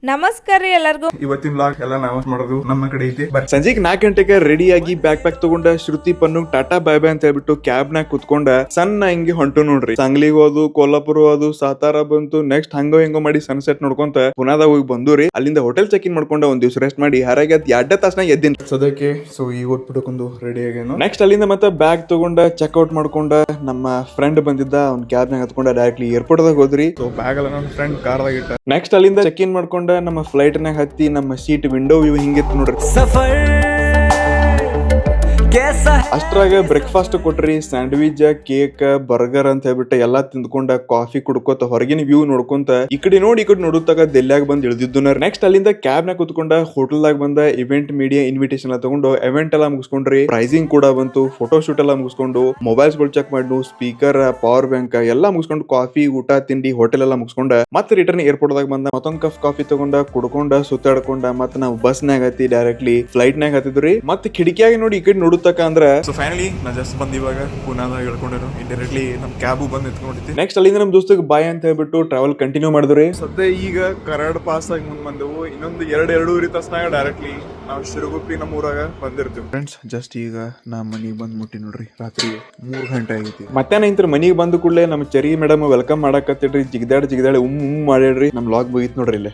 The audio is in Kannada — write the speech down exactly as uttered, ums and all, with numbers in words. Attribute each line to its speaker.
Speaker 1: ನಮಸ್ಕಾರ ರೀ ಎಲ್ಲರಿಗೂ.
Speaker 2: ಇವತ್ತಿನ ಬ್ಲಾಗ್ ಎಲ್ಲ ನಾವ್ ಮಾಡೋದು ನಮ್ಮ ಕಡೆ ಐತಿ.
Speaker 3: ಸಂಜೆಗೆ ನಾಲ್ಕು ಗಂಟೆಗೆ ರೆಡಿ ಆಗಿ ಬ್ಯಾಗ್ ಪ್ಯಾಕ್ ತಗೊಂಡ Shruti Pannu tata bye bye ಅಂತ ಹೇಳ್ಬಿಟ್ಟು ಕ್ಯಾಬ್ ನಾಗ ಕುತ್ಕೊಂಡ ಸಣ್ಣ ಹಿಂಗೆ ಹೊಂಟು ನೋಡ್ರಿ. ಸಾಂಗ್ಲಿಗ್ ಹೋದು, ಕೊಲ್ಲಾಪುರ ಹೋದು, ಸಾತಾರ ಬಂತು, ನೆಕ್ಸ್ಟ್ ಹಂಗೋ ಹಿಂಗೋ ಮಾಡಿ ಸನ್ಸೆಟ್ ನೋಡ್ಕೊಂತ ಪುನಾದಾಗ ಹೋಗಿ ಬಂದೂರಿ. ಅಲ್ಲಿಂದ ಹೋಟೆಲ್ ಚೆಕ್ ಇನ್ ಮಾಡ್ಕೊಂಡ ಒಂದ್ ದಿವ್ಸ ರೆಸ್ಟ್ ಮಾಡಿ ಹಾರಾಗಿ ಅದ್ ಎರಡ ತಾಸನಾಗ ಎದ್ದಿನ್
Speaker 2: ಸದ್ಯಕ್ಕೆ. ಸೊ ಈಗ ಓದ್ಬಿಟ್ಟಕೊಂದು ರೆಡಿ ಆಗೇನು.
Speaker 3: ನೆಕ್ಸ್ಟ್ ಅಲ್ಲಿಂದ ಮತ್ತೆ ಬ್ಯಾಗ್ ತಗೊಂಡ ಚೆಕ್ಔಟ್ ಮಾಡ್ಕೊಂಡ ನಮ್ಮ ಫ್ರೆಂಡ್ ಬಂದಿದ್ದ ಅವ್ನ ಕ್ಯಾಬ್ ನಾಗ ಹತ್ಕೊಂಡ ಡೈರೆಕ್ಟ್ಲಿ ಏರ್ಪೋರ್ಟ್ ದಾಗ ಹೋದ್ರಿ.
Speaker 2: ಸೊ ಬ್ಯಾಗ್ ಎಲ್ಲ ನನ್ನ ಫ್ರೆಂಡ್ ಕಾರ್ದಾಗ ಇಟ್ಟ.
Speaker 3: ನೆಕ್ಸ್ಟ್ ಅಲ್ಲಿಂದ ಚೆಕ್ ಇನ್ ಮಾಡ್ಕೊಂಡ ನಮ್ಮ ಫ್ಲೈಟ್ ನಾಗ ಹತ್ತಿ ನಮ್ಮ ಸೀಟ್ ವಿಂಡೋ ವ್ಯೂ ಹಿಂಗಿತ್ತು ನೋಡ್ರಿ. ಅಷ್ಟ್ರಾಗ ಬ್ರೇಕ್ಫಾಸ್ಟ್ ಕೊಟ್ರಿ, ಸ್ಯಾಂಡ್ವಿಚ್, ಕೇಕ್, ಬರ್ಗರ್ ಅಂತ ಹೇಳ್ಬಿಟ್ಟು ಎಲ್ಲಾ ತಿಂದ್ಕೊಂಡ ಕಾಫಿ ಕುಡ್ಕೋತ ಹೊರಗಿನ ವ್ಯೂ ನೋಡ್ಕೊಂತ ಈ ಕಡೆ ನೋಡಿ ಈ ಕಡೆ ನೋಡುತ್ತಾಗ ದೆಲ್ಲಾಗ ಬಂದ್ ಇಳಿದಿದ್ದು. ನೆಕ್ಸ್ಟ್ ಅಲ್ಲಿಂದ ಕ್ಯಾಬ್ ನಾಗ ಕುತ್ಕೊಂಡ ಹೋಟೆಲ್ ದಾಗ ಬಂದ ಇವೆಂಟ್ ಮೀಡಿಯಾ ಇನ್ವಿಟೇಷನ್ ಎಲ್ಲ ತಗೊಂಡು ಇವೆಂಟ್ ಎಲ್ಲ ಮುಗಿಸ್ಕೊಂಡ್ರಿ. ಪ್ರೈಸಿಂಗ್ ಕೂಡ ಬಂತು, ಫೋಟೋ ಶೂಟ್ ಎಲ್ಲ ಮುಗಿಸ್ಕೊಂಡು ಮೊಬೈಲ್ಸ್ ಗಳು ಚೆಕ್ ಮಾಡಿ, ಸ್ಪೀಕರ್, ಪವರ್ ಬ್ಯಾಂಕ್ ಎಲ್ಲ ಮುಗಿಸ್ಕೊಂಡು ಕಾಫಿ ಊಟ ತಿಂಡಿ ಹೋಟೆಲ್ ಎಲ್ಲ ಮುಗಿಸ್ಕೊಂಡ ಮತ್ತೆ ರಿಟರ್ನ್ ಏರ್ಪೋರ್ಟ್ ದಾಗ ಬಂದ ಮತ್ತೊಂದ್ ಕಪ್ ಕಾಫಿ ತಗೊಂಡ ಕುಡ್ಕೊಂಡ ಸುತ್ತಾಡ್ಕೊಂಡ ಮತ್ತೆ ನಾವು ಬಸ್ ನಾಗ ಹತ್ತಿ ಡೈರೆಕ್ಟ್ಲಿ ಫ್ಲೈಟ್ ನಾಗ ಹತ್ತಿದ್ರಿ. ಮತ್ತೆ ಕಿಟಕಿಯಾಗಿ ನೋಡಿ ಈ ಕಡೆ ನೋಡುತ್ತಕ ಅಂದ್ರ
Speaker 2: ಸೊ ಫೈನಲಿ ನಾ ಜಸ್ಟ್ ಬಂದ್ ಇವಾಗ ಪುನಾದಾಗ ಹೇಳ್ಕೊಂಡಿರು ಇಂಡೈರೆಕ್ಟ್ಲಿ ನಮ್ ಕ್ಯಾಬ್ ಬಂದ್ ನಿಂತ್ಕೊಂಡಿದ್ದೆ.
Speaker 3: ನೆಕ್ಸ್ಟ್ ಅಲ್ಲಿಂದ ನಮ್ ದೋಸ್ತಗ್ ಬಾಯ್ ಅಂತ ಹೇಳ್ಬಿಟ್ಟು ಟ್ರಾವೆಲ್ ಕಂಟಿನ್ಯೂ ಮಾಡಿದ್ರಿ.
Speaker 2: ಸದ್ಯ ಈಗ ಕರಾಡ್ ಪಾಸ್ ಆಗಿ ಮುಂದ್ ಬಂದೆವು. ಇನ್ನೊಂದು ಎರಡ್ ಎರಡೂವರೆ ತಾಸ್ನಾಗ ಡೈರೆಕ್ಟ್ಲಿ ನಾವು ಶಿರಗುಪ್ಪಿ ನಮ್ಮ ಊರಾಗ ಬಂದಿರ್ತೀವಿ. ಫ್ರೆಂಡ್ಸ್ ಜಸ್ಟ್ ಈಗ ನಾ ಮನಿಗ್ ಬಂದ್ ಮುಟ್ಟಿ ನೋಡ್ರಿ. ರಾತ್ರಿ ಮೂರ್ ಗಂಟೆ ಆಗೈತಿ.
Speaker 3: ಮಧ್ಯಾಹ್ನ ಇಂತ್ರ ಮನಿಗ್ ಬಂದ ಕೂಡಲೇ ನಮ್ ಚರಿ ಮೇಡಮ್ ವೆಲ್ಕಮ್ ಮಾಡಾಕತ್ತಿಡ್ರಿ. ಜಿಗದಾಡ್ ಜಿಗದಾಡಿ ಉಮ್ ಉಮ್ ಮಾಡ್ಯಾಡ್ರಿ. ನಮ್ ಲಾಗ್ ಮುಗಿತ್ ನೋಡ್ರಿ ಇಲ್ಲೇ.